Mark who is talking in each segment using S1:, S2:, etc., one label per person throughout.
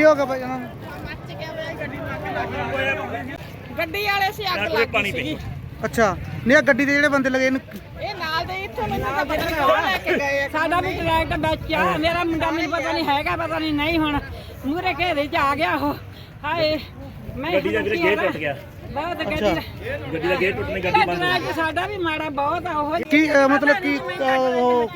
S1: ਕੀ ਹੋ ਗਿਆ ਭਾਈ ਇਹਨਾਂ ਨੂੰ?
S2: ਗੱਡੀ ਵਾਲੇ ਸੀ ਅੱਗ ਲੱਗ ਗਈ ਸੀਗੀ।
S1: ਅੱਛਾ ਨਹੀਂ, ਆ ਗੱਡੀ ਦੇ ਜਿਹੜੇ ਬੰਦੇ ਲੱਗੇ ਇਹਨੂੰ
S2: ਇਹ ਨਾਲ ਦੇ ਇੱਥੋਂ ਮੈਨੂੰ ਤਾਂ ਪਤਾ ਨਹੀਂ ਕੌਣ ਲੈ ਕੇ ਗਏ। ਸਾਡਾ ਵੀ ਟਰੈਕਟਰ ਬੱਚਾ, ਮੇਰਾ ਮੁੰਡਾ ਮੈਨੂੰ ਪਤਾ ਨਹੀਂ ਹੈਗਾ, ਪਤਾ ਨਹੀਂ ਹੁਣ ਮੂਹਰੇ ਘੇਰੇ 'ਚ ਆ ਗਿਆ ਉਹ। ਹਾਏ ਮੈਂ
S3: ਗੱਡੀ ਦਾ ਗੇਟ ਟੁੱਟ ਗਿਆ।
S2: ਬਹੁਤ ਗੱਡੀ
S3: ਦਾ ਗੇਟ ਟੁੱਟਣੇ, ਗੱਡੀ ਬੰਦ ਹੋ ਗਈ।
S2: ਸਾਡਾ ਵੀ ਮਾੜਾ ਬਹੁਤ ਆ ਉਹ।
S1: ਕੀ ਮਤਲਬ ਕੀ ਉਹ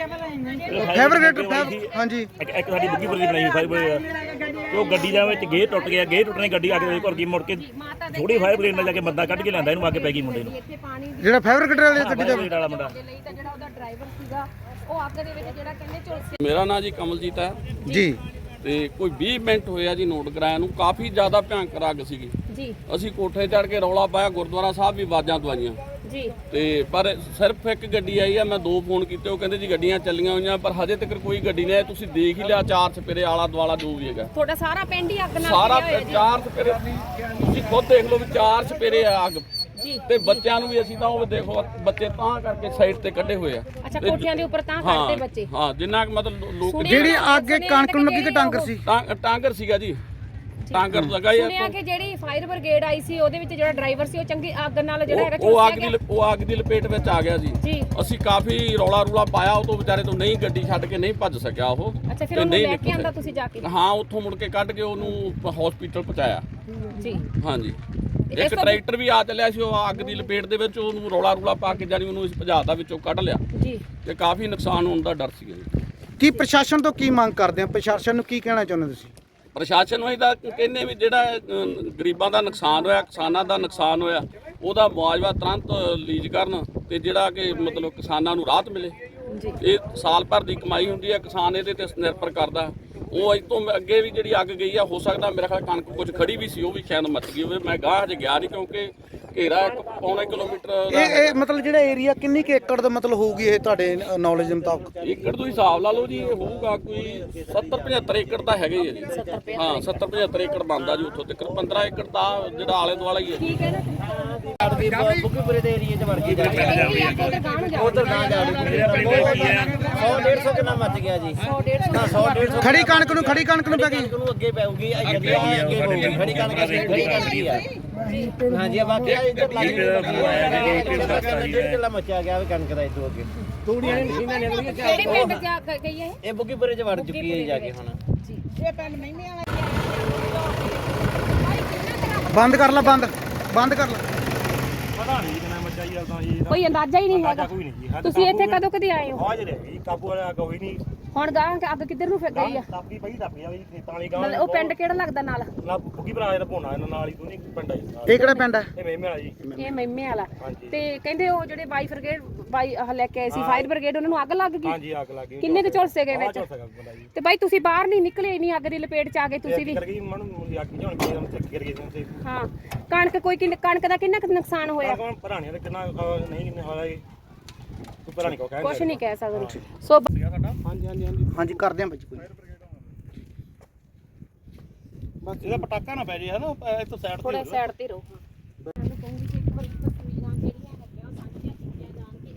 S1: ਫਾਇਰ ਬ੍ਰਿਗੇਡ? ਹਾਂਜੀ
S3: ਇੱਕ ਸਾਡੀ ਬੁੱਗੀਪੁਰ ਦੀ ਬਣਾਈ ਫਾਇਰ ਬ੍ਰਿਗੇਡ, ਉਹ ਗੱਡੀ ਦਾ ਵਿੱਚ ਗੇਟ ਟੁੱਟ ਗਿਆ। ਗੇਟ ਟੁੱਟਣੇ, ਗੱਡੀ ਅੱਗ ਦੇ ਘੁਰ ਗਈ। ਮੁੜ ਕੇ ਥੋੜੀ ਫਾਇਰ ਬ੍ਰਿਗੇਡ ਨਾਲ ਜਾ ਕੇ ਬੰਦਾ ਕੱਢ ਕੇ ਲਿਆਂਦਾ, ਇਹਨੂੰ ਅੱਗ ਪੈ ਗਈ ਮੁੰਡੇ ਨੂੰ।
S1: ਜਿਹੜਾ ਫਾਇਰ ਬ੍ਰਿਗੇਡ ਵਾਲੇ ਗੱਡੀ ਦਾ
S3: ਵਾਲਾ ਮੁੰਡਾ,
S4: ਜਿਹੜਾ ਉਹਦਾ ਡਰਾਈਵਰ ਸੀਗਾ, ਉਹ ਅੱਗ ਦੇ ਵਿੱਚ ਜਿਹੜਾ ਕਹਿੰਦੇ ਝੁਲਸਿਆ।
S5: ਮੇਰਾ ਨਾਂ ਜੀ ਕਮਲਜੀਤ ਹੈ
S1: ਜੀ।
S5: ਤੇ ਕੋਈ 20 ਮਿੰਟ ਹੋਇਆ ਜੀ ਨੋਟ ਕਰਾਇਆ ਨੂੰ। ਕਾਫੀ ਜ਼ਿਆਦਾ ਭਿਆਨਕ ਅੱਗ ਸੀਗੀ
S4: ਜੀ।
S5: ਅਸੀਂ ਕੋਠੇ ਚੜ੍ਹ ਕੇ ਰੌਲਾ ਪਾਇਆ, ਗੁਰਦੁਆਰਾ ਸਾਹਿਬ ਵੀ ਆਵਾਜ਼ਾਂ ਦਵਾਈਆਂ
S4: ਜੀ।
S5: ਤੇ ਪਰ ਸਿਰਫ ਇੱਕ ਗੱਡੀ ਆਈ ਆ। ਮੈਂ 2 ਫੋਨ ਕੀਤੇ, ਉਹ ਕਹਿੰਦੇ ਜੀ ਗੱਡੀਆਂ ਚੱਲੀਆਂ ਹੋਈਆਂ, ਪਰ ਹਜੇ ਤੱਕ ਕੋਈ ਗੱਡੀ ਨਹੀਂ ਆਈ। ਤੁਸੀਂ ਦੇਖ ਹੀ ਲਿਆ, 4 ਚਪੇਰੇ ਆਲਾ ਦੁਆਲਾ ਜੋ ਵੀ ਹੈਗਾ,
S4: ਤੁਹਾਡਾ ਸਾਰਾ ਪਿੰਡ ਹੀ ਅੱਗ ਨਾਲ
S5: ਸਾਰਾ
S4: ਘਿਰਿਆ ਹੋਇਆ ਜੀ।
S5: 4 ਚਪੇਰੇ ਤੁਸੀਂ ਖੁਦ ਦੇਖ ਲਓ ਵੀ 4 ਚਪੇਰੇ ਆ ਅੱਗ।
S4: ਜੀ।
S5: ਤੇ ਬੱਚਿਆਂ ਨੂੰ ਵੀ ਅਸੀਂ ਤਾਂ ਉਹ ਦੇਖੋ, ਬੱਚੇ ਤਾਂ ਕਰਕੇ ਸਾਈਡ ਤੇ ਕੱਢੇ ਹੋਏ ਆ।
S4: ਅੱਛਾ, ਕੋਠਿਆਂ ਦੇ ਉੱਪਰ ਤਾਂ ਕਰਦੇ ਬੱਚੇ।
S5: ਹਾਂ, ਜਿੰਨਾ ਕੁ ਮਤਲਬ ਲੋਕ
S1: ਜਿਹੜੀ ਅੱਗ ਕਣਕ ਨੂੰ ਲੱਗੀ ਕਿ ਟਾਂਗਰ ਸੀ?
S5: ਟਾਂਗਰ ਸੀਗਾ ਜੀ, ਟਾਂਗਰ ਲਗਾ ਹੀ
S4: ਸੁਣਿਆ ਕਿ ਜਿਹੜੀ ਫਾਇਰ ਬ੍ਰਿਗੇਡ ਆਈ ਸੀ, ਉਹਦੇ ਵਿੱਚ ਜਿਹੜਾ ਡਰਾਈਵਰ ਸੀ, ਉਹ ਚੰਗੀ ਅੱਗ ਨਾਲ ਜਿਹੜਾ ਹੈਗਾ
S5: ਉਹ
S4: ਝੁਲਸਿਆ ਗਿਆ।
S5: ਉਹ ਅੱਗ ਦੀ ਲਪੇਟ ਵਿੱਚ ਆ ਗਿਆ ਜੀ।
S4: ਜੀ।
S5: ਅਸੀਂ ਕਾਫੀ ਰੌਲਾ ਰੂਲਾ ਪਾਇਆ, ਉਹ ਤੋਂ ਵਿਚਾਰੇ ਤੋਂ ਨਹੀਂ, ਗੱਡੀ ਛੱਡ ਕੇ ਨਹੀਂ ਭੱਜ ਸਕਿਆ ਉਹ।
S4: ਅੱਛਾ, ਫਿਰ ਉਹਨੂੰ ਲੈ ਕੇ ਆਂਦਾ ਤੁਸੀਂ ਜਾ ਕੇ?
S5: ਹਾਂ, ਉੱਥੋਂ ਮੁੜ ਕੇ ਕੱਢ ਕੇ ਉਹਨੂੰ ਹਸਪੀਟਲ ਪਹੁੰਚਾਇਆ।
S4: ਜੀ।
S5: ਹਾਂਜੀ, ਇੱਕ ਟਰੈਕਟਰ ਵੀ ਆ ਚੱਲਿਆ ਸੀ, ਉਹ ਅੱਗ ਦੀ ਲਪੇਟ ਦੇ ਵਿੱਚ, ਉਹਨੂੰ ਰੌਲਾ ਰੂਲਾ ਪਾ ਕੇ ਜਾਨੀ ਉਹਨੂੰ ਭਜਾਤਾ ਵਿੱਚੋਂ ਕੱਢ ਲਿਆ।
S4: ਜੀ।
S5: ਤੇ ਕਾਫੀ ਨੁਕਸਾਨ ਹੋਣ ਦਾ ਡਰ ਸੀਗਾ ਜੀ।
S1: ਕੀ ਪ੍ਰਸ਼ਾਸਨ ਤੋਂ ਕੀ ਮੰਗ ਕਰਦੇ ਆ? ਪ੍ਰਸ਼ਾਸਨ ਨੂੰ ਕੀ ਕਹਿਣਾ ਚਾਹੁੰਦੇ ਤੁਸੀਂ?
S5: ਪ੍ਰਸ਼ਾਸਨ ਨੂੰ ਇਹਦਾ ਕਹਿੰਦੇ ਵੀ ਜਿਹੜਾ ਗਰੀਬਾਂ ਦਾ ਨੁਕਸਾਨ ਹੋਇਆ, ਕਿਸਾਨਾਂ ਦਾ ਨੁਕਸਾਨ ਹੋਇਆ, ਉਹਦਾ ਮੁਆਵਜ਼ਾ ਤੁਰੰਤ ਰਿਲੀਜ਼ ਕਰਨ ਤੇ ਜਿਹੜਾ ਕਿ ਮਤਲਬ ਕਿਸਾਨਾਂ ਨੂੰ ਰਾਹਤ ਮਿਲੇ।
S4: ਜੀ।
S5: ਇਹ ਸਾਲ ਭਰ ਦੀ ਕਮਾਈ ਹੁੰਦੀ ਹੈ, ਕਿਸਾਨ ਇਹਦੇ ਤੇ ਨਿਰਭਰ ਕਰਦਾ। ਉਹ ਅੱਜ ਤੋਂ ਅੱਗੇ ਵੀ ਜਿਹੜੀ ਅੱਗ ਗਈ ਆ, ਹੋ ਸਕਦਾ ਮੇਰਾ ਖਿਆਲ ਕਣਕ ਕੁਝ ਖੜੀ ਵੀ ਸੀ, ਉਹ ਵੀ ਸ਼ਾਇਦ ਮੱਚ ਗਈ ਹੋਵੇ। ਮੈਂ ਗਾਹ ਹਜੇ ਗਿਆ ਨਹੀਂ, ਕਿਉਂਕਿ ਘੇਰਾ 1.25 ਕਿਲੋਮੀਟਰ ਦਾ।
S1: ਇਹ ਮਤਲਬ ਜਿਹੜਾ ਏਰੀਆ ਕਿੰਨੀ ਕੁ ਏਕੜ ਦਾ ਮਤਲਬ ਹੋਊਗੀ ਇਹ ਤੁਹਾਡੇ ਨੌਲੇਜ ਦੇ ਮੁਤਾਬਕ?
S5: ਏਕੜ ਤੁਸੀਂ ਹਿਸਾਬ ਲਾ ਲਓ ਜੀ, ਇਹ ਹੋਊਗਾ ਕੋਈ 70-75 ਏਕੜ ਤਾਂ ਹੈਗੇ ਹੀ ਆ ਜੀ। ਹਾਂ, 70-75 ਏਕੜ ਬਣਦਾ ਜੀ। ਉੱਥੋਂ ਤੱਕ 15 ਏਕੜ ਤਾਂ ਜਿਹੜਾ ਆਲੇ ਦੁਆਲਾ ਹੀ ਹੈ।
S4: ਠੀਕ ਹੈ ਨਾ?
S6: ਬੁੱਕੀਪੁਰੇ ਦੇ ਏਰੀਏ 'ਚ ਵੜ ਗਈ ਗੱਡੀ।
S4: ਉਧਰ
S6: ਨਾ ਜਾ 100-150 ਕਿੰਨਾ ਮੱਚ ਗਿਆ ਜੀ। 100-150
S1: ਖੜੀ ਕਣਕ ਨੂੰ ਪੈ ਗਈ।
S6: ਨੂੰ ਅੱਗੇ ਪੈਊਗੀ, ਗੱਡੀ ਅੱਗੇ ਪਊਗੀ। ਖੜੀ ਕਣਕ ਦੀ ਆ। ਹਾਂਜੀ, ਬਾਕੀ ਇੱਧਰ ਲੱਗ ਗਈ। 1.5 ਕਿੱਲਾ ਮੱਚਿਆ ਗਿਆ ਕਣਕ ਦਾ। ਇਦੋਂ ਅੱਗੇ ਤੂੜੀਆਂ ਨੇ ਮਸ਼ੀਨਾਂ ਨੇ
S4: ਕਿਹੜੇ ਪਿੰਡ ਜਾ ਗਈ ਹੈ?
S6: ਇਹ ਬੁੱਕੀਪੁਰੇ 'ਚ ਵੜ ਚੁੱਕੀ ਹੈ ਜਾ ਕੇ ਹੁਣ।
S4: ਜੀ। ਇਹ ਪਿੰਡ ਮਹਿਮੇ ਵਾਲਾ
S1: ਬੰਦ ਕਰ ਲਾ, ਬੰਦ ਕਰ ਲਾ।
S3: ਪਤਾ ਨਹੀਂ ਕਿੰਨਾ ਮੱਚਾ ਜੀ। ਤਾਂ ਜੀ
S4: ਕੋਈ ਅੰਦਾਜ਼ਾ ਹੀ ਨਹੀਂ ਹੈਗਾ।
S3: ਕੋਈ ਨਹੀਂ ਜੀ।
S4: ਤੁਸੀਂ ਇੱਥੇ ਕਦੋਂ ਕਦੇ ਆਏ ਹੋ?
S3: ਹਾਜ਼ਰ ਹੈ ਜੀ, ਕਾਬੂ ਵਾਲਾ ਅੱਗ ਹੋਈ ਨਹੀਂ।
S4: ਹੁਣ ਗਾਂ ਅੱਗ ਕਿੱਧਰ ਨੂੰ ਫਿਰ ਗਈ ਆ?
S3: ਟੱਪੀ ਪਈ ਟੱਪੀ ਆ ਜੀ, ਖੇਤਾਂ ਵਾਲੀ ਗਾਂ।
S4: ਮਤਲਬ ਉਹ ਪਿੰਡ ਕਿਹੜਾ ਲੱਗਦਾ ਨਾਲ?
S3: ਨਾ ਬੁੱਗੀ ਭਰਾ ਜਿਹੜਾ ਭੋਣਾ ਇਹਨਾਂ ਨਾਲ ਹੀ ਦੋਨੇ ਪਿੰਡ ਆ ਜੀ।
S1: ਇਹ ਕਿਹੜਾ ਪਿੰਡ ਹੈ?
S3: ਇਹ ਮੇਮੇ ਵਾਲਾ ਜੀ।
S4: ਇਹ ਮਹਿਮੇ ਵਾਲਾ।
S3: ਹਾਂਜੀ।
S4: ਤੇ ਕਹਿੰਦੇ ਉਹ ਜਿਹੜੇ ਬਾਈ ਲੈ ਕੇ ਆਏ ਸੀ ਫਾਇਰ ਬ੍ਰਿਗੇਡ, ਉਹਨਾਂ ਨੂੰ ਅੱਗ ਲੱਗ ਗਈ?
S3: ਹਾਂਜੀ, ਅੱਗ ਲੱਗ ਗਈ।
S4: ਕਿੰਨੇ ਕੁ ਝੁਲਸੇ ਗਏ ਵਿੱਚ?
S3: ਜੀ
S4: ਤੇ ਬਾਈ ਤੁਸੀਂ ਬਾਹਰ ਨਹੀਂ ਨਿਕਲੇ, ਇੰਨੀ ਅੱਗ ਦੀ ਲਪੇਟ ਚ ਆ ਗਏ ਤੁਸੀਂ ਵੀ?
S3: ਕਰ ਗਈ ਮਨ ਅੱਗ ਬੁਝਾਉਣ ਗਏ, ਉਹਨੂੰ ਚੱਕ ਕਰ ਗਏ।
S4: ਹਾਂ। ਕਣਕ ਕਣਕ ਦਾ ਕਿੰਨਾ ਕੁ ਨੁਕਸਾਨ ਹੋਇਆ?
S3: ਕੌਣ ਭਰਾਣੀਆਂ ਦਾ ਕਿੰਨਾ ਨਹੀਂ ਕਿੰਨਾ ਹੋਇਆ ਜੀ, ਕੋਈ ਭਰਾਣੀ ਕੋ ਕਹਿ
S4: ਕੁਛ ਨਹੀਂ ਕਹਿ ਸਕਦੇ। ਸੋ
S1: ਹਾਂਜੀ ਕਰਦੇ ਆ ਬੱਚੇ ਕੋਈ।
S3: ਬਸ ਇਹਦਾ ਪਟਾਕਾ ਨਾ ਪੈ ਜੇ, ਹੈ ਨਾ, ਇੱਥੋਂ ਸਾਈਡ
S4: ਥੋੜਾ
S3: ਤੇ
S4: ਸਾਈਡ ਤੇ ਰਹੋ। ਮੈਂ ਕਹੂੰਗੀ ਕਿ ਇੱਕ ਵਾਰੀ ਤਸਵੀਰਾਂ ਜਿਹੜੀਆਂ ਹੈਗੀਆਂ ਸਾਂਝੀਆਂ ਕੀਤੀਆਂ ਜਾਣ ਕਿ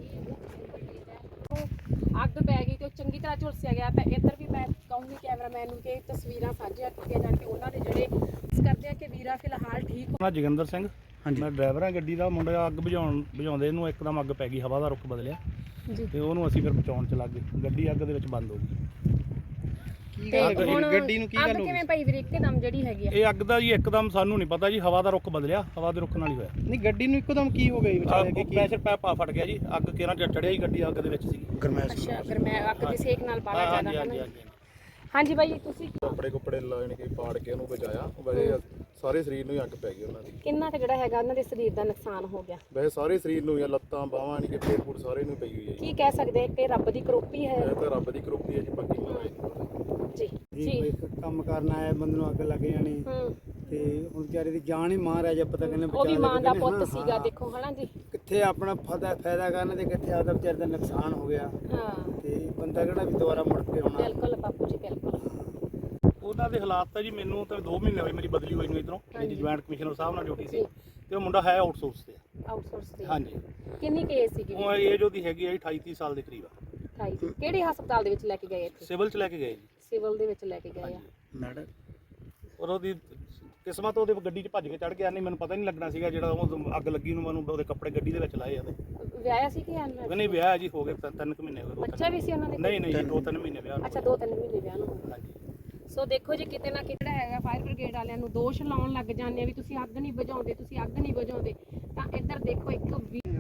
S4: ਇਹ ਅੱਗ ਪੈ ਗਈ ਤੇ ਉਹ ਚੰਗੀ ਤਰ੍ਹਾਂ ਝੁਲਸਿਆ ਗਿਆ। ਤਾਂ ਇੱਧਰ ਵੀ ਮੈਂ ਕਹੂੰਗੀ ਕੈਮਰਾਮੈਨ ਨੂੰ ਕਿ ਤਸਵੀਰਾਂ ਸਾਂਝੀਆਂ ਕੀਤੀਆਂ ਜਾਣ ਕਿ ਉਹਨਾਂ ਦੇ ਜਿਹੜੇ ਕਰਦੇ ਆ ਕਿ ਵੀਰਾ ਫਿਲਹਾਲ ਠੀਕ ਹੋ।
S3: ਮੈਂ ਜੋਗਿੰਦਰ ਸਿੰਘ, ਮੈਂ ਡਰਾਈਵਰ ਹਾਂ ਗੱਡੀ ਦਾ। ਮੁੰਡਾ ਅੱਗ ਬੁਝਾਉਂਦੇ ਇਹਨੂੰ ਇੱਕਦਮ ਅੱਗ ਪੈ ਗਈ, ਹਵਾ ਦਾ ਰੁੱਖ ਬਦਲਿਆ ਤੇ ਉਹਨੂੰ ਅਸੀਂ ਫਿਰ ਬਚਾਉਣ ਚ ਲੱਗ ਗਏ। ਗੱਡੀ ਅੱਗ ਦੇ ਵਿੱਚ ਬੰਦ ਹੋ ਗਈ।
S1: ਗੱਡੀ ਨੂੰ ਕੀ ਗੱਲ ਹੋ ਗਈ?
S4: ਕਿਵੇਂ ਪਈ ਵੀਰੇ ਇੱਕਦਮ ਜਿਹੜੀ ਹੈਗੀ ਆ?
S3: ਇਹ ਅੱਗ ਦਾ ਜੀ ਇੱਕਦਮ ਸਾਨੂੰ ਨਹੀਂ ਪਤਾ ਜੀ, ਹਵਾ ਦਾ ਰੁੱਖ ਬਦਲਿਆ, ਹਵਾ ਦੇ ਰੁੱਖ ਨਾਲ ਹੀ ਹੋਇਆ।
S1: ਨਹੀਂ, ਗੱਡੀ ਨੂੰ ਇੱਕਦਮ ਕੀ ਹੋ ਗਿਆ ਵਿਚਾਰੇ?
S3: ਪ੍ਰੈਸ਼ਰ ਪੈਪਾ ਫਟ ਗਿਆ ਜੀ, ਅੱਗ ਕਿਹਨਾਂ ਚੜਿਆ ਜੀ, ਗੱਡੀ ਅੱਗ ਦੇ ਵਿੱਚ ਸੀ।
S1: ਗਰਮੈਸ਼।
S4: ਅੱਛਾ, ਅਗਰ ਮੈਂ ਅੱਗ ਦੀ ਸੇਕ ਨਾਲ ਬਾਲਾ
S3: ਹਾਂਜੀ
S4: ਜ਼ਿਆਦਾ
S3: ਹਾਂਜੀ
S4: ਹੈ।
S3: ਹਾਂਜੀ।
S4: ਹਾਂਜੀ ਬਾਈ, ਤੁਸੀਂ
S7: ਕੱਪੜੇ ਲੈਣ ਕੇ ਪਾੜ ਕੇ ਉਹਨੂੰ ਬਚਾਇਆ। ਵੈਸੇ ਸਾਰੇ ਸਰੀਰ ਨੂੰ ਹੀ ਅੱਗ ਪੈ ਗਈ ਉਹਨਾਂ ਦੀ।
S4: ਕਿੰਨਾ ਕੁ ਜਿਹੜਾ ਹੈਗਾ ਉਹਨਾਂ ਦੇ ਸਰੀਰ ਦਾ ਨੁਕਸਾਨ ਹੋ ਗਿਆ?
S7: ਵੈਸੇ ਸਾਰੇ ਸਰੀਰ ਨੂੰ, ਲੱਤਾਂ ਬਾਹਾਂ ਨਹੀਂ ਕਿ ਪੇਟ ਪੂਟ ਸਾਰੇ ਨੂੰ ਪਈ ਹੋਈ ਹੈ ਜੀ।
S4: ਕੀ ਕਹਿ ਸਕਦੇ ਕਿ ਰੱਬ ਦੀ ਕਰੋਪੀ ਹੈ?
S7: ਇਹ ਤਾਂ ਰੱਬ ਦੀ ਕਰੋਪੀ ਹੈ ਜੀ, ਬਾਕੀ ਮਹਾਰਾਜ ਦੀ ਕਰੋਪੀ।
S4: ਜੀ ਜੀ।
S1: ਕੰਮ ਕਰਨ ਆਇਆ ਬੰਦੇ ਨੂੰ ਅੱਗ ਲੱਗ ਜਾਣੀ ਤੇ ਹੁਣ ਵਿਚਾਰੇ ਦੀ ਜਾਨ ਹੀ ਮਹਾਰਾਜਾ ਪਤਾ ਕਿੰਨੇ
S4: ਉਹ ਵੀ ਮਾਂ ਦਾ ਪੁੱਤ ਸੀਗਾ, ਦੇਖੋ ਹਨਾ ਜੀ।
S1: ਕਿੱਥੇ ਆਪਣਾ ਫਾਇਦਾ ਕਰਨ ਤੇ ਕਿੱਥੇ ਆਦਾ ਵਿਚਾਰੇ ਦਾ ਨੁਕਸਾਨ ਹੋ ਗਿਆ।
S4: ਹਾਂ,
S1: ਤੇ ਬੰਦਾ ਕਿਹੜਾ ਵੀ ਦੁਬਾਰਾ ਮੁੜ ਕੇ ਆਉਣਾ।
S4: ਬਿਲਕੁਲ ਬਾਪੂ ਜੀ, ਬਿਲਕੁਲ।
S3: ਉਹਨਾਂ ਦੇ ਹਾਲਾਤ ਤਾਂ ਜੀ, ਮੈਨੂੰ ਤਾਂ 2 ਮਹੀਨੇ ਹੋਏ ਮੇਰੀ ਬਦਲੀ ਹੋਈ ਨੂੰ ਇਧਰੋਂ। ਮੇਰੀ ਜੁਆਇੰਟ ਕਮਿਸ਼ਨਰ ਸਾਹਿਬ ਨਾਲ ਡਿਊਟੀ ਸੀ ਤੇ ਉਹ ਮੁੰਡਾ ਹੈ ਆਊਟਸੋਰਸ ਤੇ।
S4: ਆਊਟਸੋਰਸ ਤੇ?
S3: ਹਾਂਜੀ।
S4: ਕਿੰਨੀ ਕੇਸ ਸੀਗੀ?
S3: ਉਹ ਏਜ ਉਹਦੀ ਹੈਗੀ ਆ 28-30 ਸਾਲ ਦੇ ਕਰੀਬ ਆ।
S4: ਕਿਹੜੇ ਹਸਪਤਾਲ ਦੇ ਵਿੱਚ ਲੈ ਕੇ ਗਏ? ਇੱਥੇ
S3: ਸਿਵਲ ਚ ਲੈ ਕੇ ਗਏ ਜੀ।
S4: ਸਿਵਲ ਦੇ ਵਿੱਚ ਲੈ ਕੇ ਗਏ ਆ।
S1: ਮੈਡਮ
S3: ਔਰ ਉਹਦੀ ਕਿਸਮਤ ਉਹਦੇ ਗੱਡੀ 'ਚ ਭੱਜ ਕੇ ਚੜ ਗਿਆ, ਨਹੀਂ ਮੈਨੂੰ ਪਤਾ ਨਹੀਂ ਲੱਗਣਾ ਸੀਗਾ ਜਿਹੜਾ ਉਹ ਅੱਗ ਲੱਗੀ ਨੂੰ ਮੈਨੂੰ ਉਹਦੇ ਕੱਪੜੇ ਗੱਡੀ ਦੇ ਵਿੱਚ ਲਾਏ ਉਹਦੇ।
S4: ਵਿਆਹਿਆ ਸੀ ਕਿ ਅਨਮੈਰਿਡ?
S3: ਉਹ ਨਹੀਂ ਵਿਆਹ ਜੀ ਹੋ ਗਏ 3 ਮਹੀਨੇ ਹੋ ਗਏ।
S4: ਬੱਚਾ ਵੀ ਸੀ ਉਹਨਾਂ ਦੇ?
S3: ਨਹੀਂ ਨਹੀਂ 2-3 ਮਹੀਨੇ ਵਿਆਹ ਨੂੰ।
S4: ਅੱਛਾ 2-3 ਮਹੀਨੇ ਵਿਆਹ ਨੂੰ।
S3: ਹਾਂਜੀ।
S4: ਸੋ ਦੇਖੋ ਜੀ ਕਿਤੇ ਨਾ ਕਿਤੇ ਹੈਗਾ ਫਾਇਰ ਬ੍ਰਿਗੇਡ ਵਾਲਿਆਂ ਨੂੰ ਦੋਸ਼ ਲਾਉਣ ਲੱਗ ਜਾਂਦੇ ਆ ਵੀ ਤੁਸੀਂ ਅੱਗ ਨਹੀਂ ਬੁਝਾਉਂਦੇ, ਤੁਸੀਂ ਅੱਗ ਨਹੀਂ ਬੁਝਾਉਂਦੇ। ਤਾਂ ਇੱਧਰ ਦੇਖੋ ਇੱਕ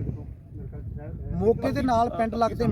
S1: ਮੌਕੇ ਦੇ ਨਾਲ ਪਿੰਡ ਲੱਗਦੇ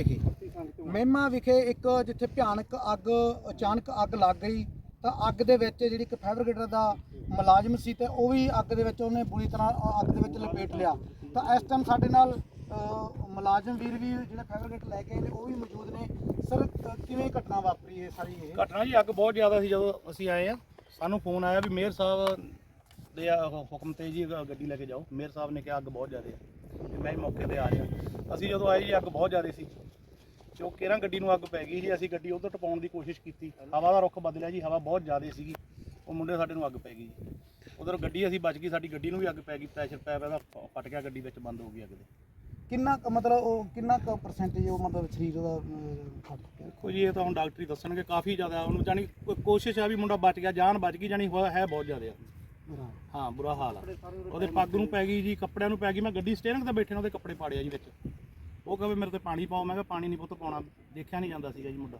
S1: ਮਹਿਮਾ ਵਿਖੇ ਇੱਕ ਜਿੱਥੇ ਭਿਆਨਕ ਅੱਗ ਅਚਾਨਕ ਅੱਗ ਲੱਗ ਗਈ ਤਾਂ ਅੱਗ ਦੇ ਵਿੱਚ ਜਿਹੜੀ ਇੱਕ ਫਾਇਰ ਬ੍ਰਿਗੇਡ ਦਾ ਮੁਲਾਜ਼ਮ ਸੀ ਤੇ ਉਹ ਵੀ ਅੱਗ ਦੇ ਵਿੱਚ ਉਹਨੇ ਬੁਰੀ ਤਰ੍ਹਾਂ ਅੱਗ ਦੇ ਵਿੱਚ ਲਪੇਟ ਲਿਆ। ਤਾਂ ਇਸ ਟਾਈਮ ਸਾਡੇ ਨਾਲ ਮੁਲਾਜ਼ਮ ਵੀਰ ਵੀ ਜਿਹੜੇ ਫਾਇਰ ਬ੍ਰਿਗੇਡ ਲੈ ਕੇ ਆਏ ਨੇ ਉਹ ਵੀ ਮੌਜੂਦ ਨੇ। ਸਰ ਕਿਵੇਂ ਘਟਨਾ ਵਾਪਰੀ ਹੈ ਸਾਰੀ ਇਹ?
S3: ਘਟਨਾ ਜੀ ਅੱਗ ਬਹੁਤ ਜ਼ਿਆਦਾ ਸੀ ਜਦੋਂ ਅਸੀਂ ਆਏ ਆ, ਸਾਨੂੰ ਫੋਨ ਆਇਆ ਵੀ ਮੇਅਰ ਸਾਹਿਬ ਦੇ ਹੁਕਮ ਤੇ ਜੀ ਗੱਡੀ ਲੈ ਕੇ ਜਾਓ। ਮੇਅਰ ਸਾਹਿਬ ਨੇ ਕਿਹਾ ਅੱਗ ਬਹੁਤ ਜ਼ਿਆਦਾ ਹੈ ਤੇ ਮੈਂ ਮੌਕੇ ਤੇ ਆ ਰਿਹਾ। ਅਸੀਂ ਜਦੋਂ ਆਏ ਜੀ ਅੱਗ ਬਹੁਤ ਜ਼ਿਆਦਾ ਸੀ ਤੇ ਉਹ ਕੇਰਾਂ ਗੱਡੀ ਨੂੰ ਅੱਗ ਪੈ ਗਈ ਸੀ। ਅਸੀਂ ਗੱਡੀ ਉਧਰ ਟਪਾਉਣ ਦੀ ਕੋਸ਼ਿਸ਼ ਕੀਤੀ, ਹਵਾ ਦਾ ਰੁੱਖ ਬਦਲਿਆ ਜੀ, ਹਵਾ ਬਹੁਤ ਜ਼ਿਆਦਾ ਸੀਗੀ, ਉਹ ਮੁੰਡੇ ਸਾਡੇ ਨੂੰ ਅੱਗ ਪੈ ਗਈ ਜੀ। ਉਧਰ ਗੱਡੀ ਅਸੀਂ ਬਚ ਗਈ, ਸਾਡੀ ਗੱਡੀ ਨੂੰ ਵੀ ਅੱਗ ਪੈ ਗਈ, ਪ੍ਰੈਸ਼ਰ ਪੈਪ ਇਹਦਾ ਫਟ ਗਿਆ, ਗੱਡੀ ਵਿੱਚ ਬੰਦ ਹੋ ਗਈ ਅੱਗ ਦੇ।
S1: ਕਿੰਨਾ ਮਤਲਬ ਉਹ ਕਿੰਨਾ ਪਰਸੈਂਟੇਜ ਉਹ ਮਤਲਬ ਸਰੀਰ ਦਾ ਫਟ ਗਿਆ?
S3: ਦੇਖੋ ਜੀ ਇਹ ਤਾਂ ਹੁਣ ਡਾਕਟਰ ਹੀ ਦੱਸਣਗੇ, ਕਾਫੀ ਜ਼ਿਆਦਾ ਉਹਨੂੰ ਜਾਣੀ ਕੋਸ਼ਿਸ਼ ਆ ਵੀ ਮੁੰਡਾ ਬਚ ਗਿਆ, ਜਾਨ ਬਚ ਗਈ, ਜਾਣੀ ਹੋਇਆ ਹੈ ਬਹੁਤ ਜ਼ਿਆਦਾ। ਹਾਂ ਬੁਰਾ ਹਾਲ ਆ, ਉਹਦੇ ਪੱਗ ਨੂੰ ਪੈ ਗਈ ਜੀ, ਕੱਪੜਿਆਂ ਨੂੰ ਪੈ ਗਈ। ਮੈਂ ਗੱਡੀ ਸਟੀਅਰਿੰਗ ਤੇ ਬੈਠੇ ਨੇ ਉਹਦੇ ਕੱਪੜੇ ਪਾੜਿਆ ਜੀ ਵਿੱਚ। ਉਹ ਕਹੇ ਮੇਰੇ ਤੇ ਪਾਣੀ ਪਾਓ, ਮੈਂ ਕਿਹਾ ਪਾਣੀ ਨਹੀਂ ਪੁੱਤ ਪਾਉਣਾ, ਦੇਖਿਆ ਨਹੀਂ ਜਾਂਦਾ ਸੀਗਾ ਜੀ ਮੁੰਡਾ,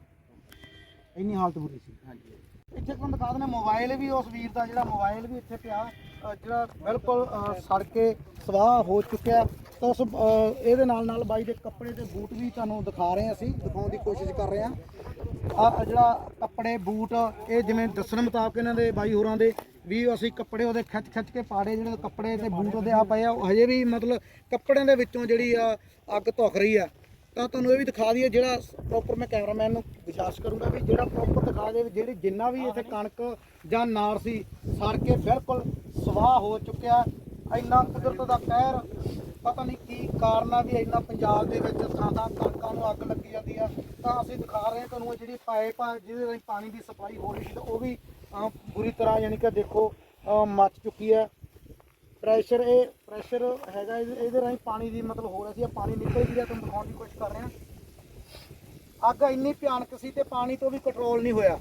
S1: ਇੰਨੀ ਹਾਲਤ ਬੁਰੀ ਸੀ।
S3: ਹਾਂਜੀ।
S1: ਇੱਥੇ ਤੁਹਾਨੂੰ ਦਿਖਾ ਦਿੰਦੇ ਮੋਬਾਈਲ ਵੀ ਉਸ ਵੀਰ ਦਾ, ਜਿਹੜਾ ਮੋਬਾਈਲ ਵੀ ਇੱਥੇ ਪਿਆ ਜਿਹੜਾ ਬਿਲਕੁਲ ਸੜ ਕੇ ਸਵਾਹ ਹੋ ਚੁੱਕਿਆ। ਤਾਂ ਉਸ ਇਹਦੇ ਨਾਲ ਬਾਈ ਦੇ ਕੱਪੜੇ ਤੇ ਬੂਟ ਵੀ ਤੁਹਾਨੂੰ ਦਿਖਾ ਰਹੇ ਹਾਂ, ਅਸੀਂ ਦਿਖਾਉਣ ਦੀ ਕੋਸ਼ਿਸ਼ ਕਰ ਰਹੇ ਹਾਂ। ਆ ਜਿਹੜਾ ਕੱਪੜੇ ਬੂਟ ਇਹ ਜਿਵੇਂ ਦੱਸਣ ਮੁਤਾਬਕ ਇਹਨਾਂ ਦੇ ਬਾਈ ਹੋਰਾਂ ਦੇ ਵੀ ਅਸੀਂ ਕੱਪੜੇ ਉਹਦੇ ਖਿੱਚ ਕੇ ਪਾੜੇ, ਜਿਹੜੇ ਕੱਪੜੇ ਤੇ ਬੂਟ ਉਹਦੇ ਆ ਪਏ ਆ, ਉਹ ਹਜੇ ਵੀ ਮਤਲਬ ਕੱਪੜਿਆਂ ਦੇ ਵਿੱਚੋਂ ਜਿਹੜੀ ਆ ਅੱਗ ਧੁਖ ਰਹੀ ਆ। ਤਾਂ ਤੁਹਾਨੂੰ ਇਹ ਵੀ ਦਿਖਾ ਦਈਏ ਜਿਹੜਾ ਪ੍ਰੋਪਰ, ਮੈਂ ਕੈਮਰਾਮੈਨ ਨੂੰ ਗੁਜ਼ਾਰਿਸ਼ ਕਰੂੰਗਾ ਵੀ ਜਿਹੜਾ ਪ੍ਰੋਪਰ ਦਿਖਾ ਦੇ ਜਿਹੜੀ ਜਿੰਨਾ ਵੀ ਇੱਥੇ ਕਣਕ ਜਾਂ ਨਾੜ ਸੀ ਸੜ ਕੇ ਬਿਲਕੁਲ ਸਵਾਹ ਹੋ ਚੁੱਕਿਆ। ਇੰਨਾ ਕੁਦਰਤ ਦਾ ਕਹਿਰ, ਪਤਾ ਨਹੀਂ ਕੀ ਕਾਰਨ ਆ ਵੀ ਇੰਨਾ ਪੰਜਾਬ ਦੇ ਵਿੱਚ ਥਾਂ ਕਣਕਾਂ ਨੂੰ ਅੱਗ ਲੱਗੀ ਜਾਂਦੀ ਆ। ਤਾਂ ਅਸੀਂ ਦਿਖਾ ਰਹੇ ਹਾਂ ਤੁਹਾਨੂੰ ਇਹਦੀ ਪਾਈਪ ਆ ਜਿਹਦੇ ਰਾਹੀਂ ਪਾਣੀ ਦੀ ਸਪਲਾਈ ਹੋ ਰਹੀ ਸੀ, ਤਾਂ ਉਹ ਵੀ ਬੁਰੀ ਤਰ੍ਹਾਂ ਯਾਨੀ ਕਿ ਦੇਖੋ ਮੱਚ ਚੁੱਕੀ ਹੈ। ਪ੍ਰੈਸ਼ਰ ਹੈਗਾ ਇਹਦੇ ਰਾਹੀਂ ਪਾਣੀ ਦੀ ਮਤਲਬ ਹੋ ਰਿਹਾ ਸੀ, ਪਾਣੀ ਨਿਕਲ ਗਿਆ। ਤੁਹਾਨੂੰ ਦਿਖਾਉਣ ਦੀ ਕੋਸ਼ਿਸ਼ ਕਰ ਰਹੇ ਹਾਂ। ਅੱਗ ਇੰਨੀ ਭਿਆਨਕ ਸੀ ਤੇ ਪਾਣੀ ਤੋਂ ਵੀ ਕੰਟਰੋਲ ਨਹੀਂ ਹੋਇਆ,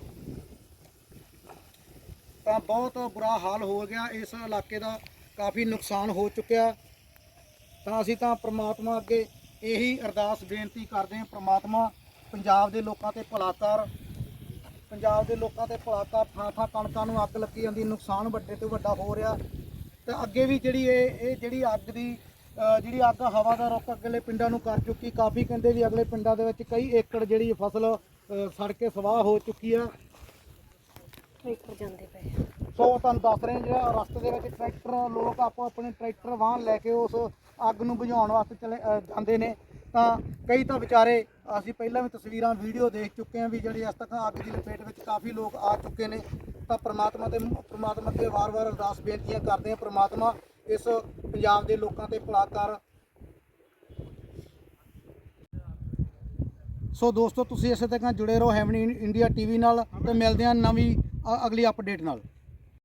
S1: ਤਾਂ ਬਹੁਤ ਬੁਰਾ ਹਾਲ ਹੋ ਗਿਆ। ਇਸ ਇਲਾਕੇ ਦਾ ਕਾਫੀ ਨੁਕਸਾਨ ਹੋ ਚੁੱਕਿਆ। ਤਾਂ ਅਸੀਂ ਤਾਂ ਪ੍ਰਮਾਤਮਾ ਅੱਗੇ ਇਹੀ ਅਰਦਾਸ ਬੇਨਤੀ ਕਰਦੇ ਹਾਂ, ਪ੍ਰਮਾਤਮਾ ਪੰਜਾਬ ਦੇ ਲੋਕਾਂ ਤੇ ਭਲਾ ਕਰ, ਪੰਜਾਬ ਦੇ ਲੋਕਾਂ ਤੇ ਭਲਾ ਕਰ। ਥਾਂ ਕਣਕਾਂ ਨੂੰ ਅੱਗ ਲੱਗੀ ਜਾਂਦੀ, ਨੁਕਸਾਨ ਵੱਡੇ ਤੋਂ ਵੱਡਾ ਹੋ ਰਿਹਾ। ਤੇ ਅੱਗੇ ਵੀ ਜਿਹੜੀ ਇਹ ਜਿਹੜੀ ਅੱਗ ਦੀ ਜਿਹੜੀ ਅੱਗ ਹਵਾ ਦਾ ਰੁੱਖ ਅਗਲੇ ਪਿੰਡਾਂ ਨੂੰ ਕਰ ਚੁੱਕੀ। ਕਾਫੀ ਕਹਿੰਦੇ ਵੀ ਅਗਲੇ ਪਿੰਡਾਂ ਦੇ ਵਿੱਚ ਕਈ ਏਕੜ ਜਿਹੜੀ ਫਸਲ ਸੜ ਕੇ ਸਵਾਹ ਹੋ ਚੁੱਕੀ ਆ।
S4: ਟਰੈਕਟਰ ਜਾਂਦੇ ਪਏ।
S1: ਸੋ ਤੁਹਾਨੂੰ ਦੱਸ ਰਹੇ ਜਿਹੜਾ ਰਸਤੇ ਦੇ ਵਿੱਚ ਟਰੈਕਟਰ ਲੋਕ ਆਪੋ ਆਪਣੇ ਟਰੈਕਟਰ ਵਾਹਨ ਲੈ ਕੇ ਉਸ ਅੱਗ ਨੂੰ ਬੁਝਾਉਣ ਵਾਸਤੇ ਜਾਂਦੇ ਨੇ। ਤਾਂ ਕਈ ਤਾਂ ਵਿਚਾਰੇ, ਅਸੀਂ ਪਹਿਲਾਂ ਵੀ ਤਸਵੀਰਾਂ ਵੀਡੀਓ ਦੇਖ ਚੁੱਕੇ ਹਾਂ ਵੀ ਜਿਹੜੀ ਇਸ ਤੱਕ ਅੱਗ ਦੀ ਲਪੇਟ ਵਿੱਚ ਕਾਫੀ ਲੋਕ ਆ ਚੁੱਕੇ ਨੇ। ਤਾਂ ਪ੍ਰਮਾਤਮਾ ਤੇ ਵਾਰ-ਵਾਰ ਅਰਦਾਸ ਬੇਨਤੀਆਂ ਕਰਦੇ ਹਾਂ, ਪ੍ਰਮਾਤਮਾ ਇਸ ਪੰਜਾਬ ਦੇ ਲੋਕਾਂ ਤੇ ਭਲਾ ਕਰ। ਸੋ ਦੋਸਤੋ ਤੁਸੀਂ ਇਸੇ ਤਰ੍ਹਾਂ ਜੁੜੇ ਰਹੋ ਹੈਵਨ ਇੰਡੀਆ ਟੀਵੀ ਨਾਲ ਤੇ ਮਿਲਦੇ ਹਾਂ ਨਵੀਂ ਅਗਲੀ ਅਪਡੇਟ ਨਾਲ।